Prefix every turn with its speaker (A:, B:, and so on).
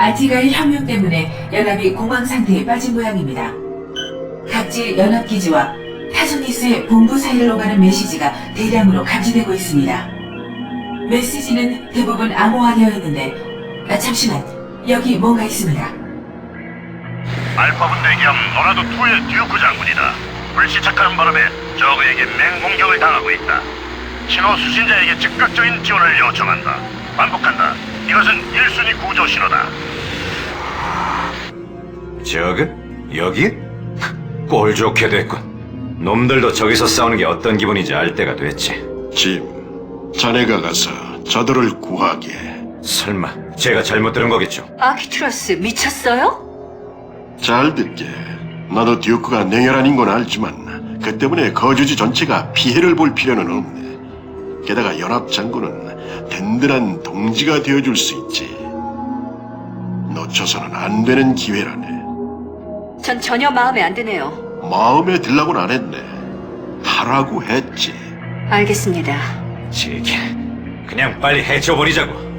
A: 아티가의 혁명 때문에 연합이 공황 상태에 빠진 모양입니다. 각지 연합기지와 타소니스의 본부 사이를 오가는 메시지가 대량으로 감지되고 있습니다. 메시지는 대부분 암호화되어 있는데, 잠시만, 여기 뭔가 있습니다.
B: 알파 분대 겸 노라도2의 듀크 장군이다. 불시착하는 바람에 저그에게 맹공격을 당하고 있다. 신호 수신자에게 즉각적인 지원을 요청한다. 반복한다. 이것은 1순위 구조 신호다.
C: 저그? 여기? 꼴 좋게 됐군. 놈들도 저기서 싸우는 게 어떤 기분인지 알 때가 됐지.
D: 짐, 자네가 가서 저들을 구하게.
C: 설마 제가 잘못 들은 거겠죠?
E: 아키투라스 미쳤어요?
D: 잘 듣게. 나도 듀크가 냉혈한 인건 알지만 그 때문에 거주지 전체가 피해를 볼 필요는 없네. 게다가 연합 장군은 든든한 동지가 되어줄 수 있지. 놓쳐서는 안 되는 기회라네.
E: 전 전혀 마음에 안 드네요.
D: 마음에 들라고는 안 했네. 하라고 했지.
E: 알겠습니다.
C: 제게 그냥 빨리 해쳐버리자고.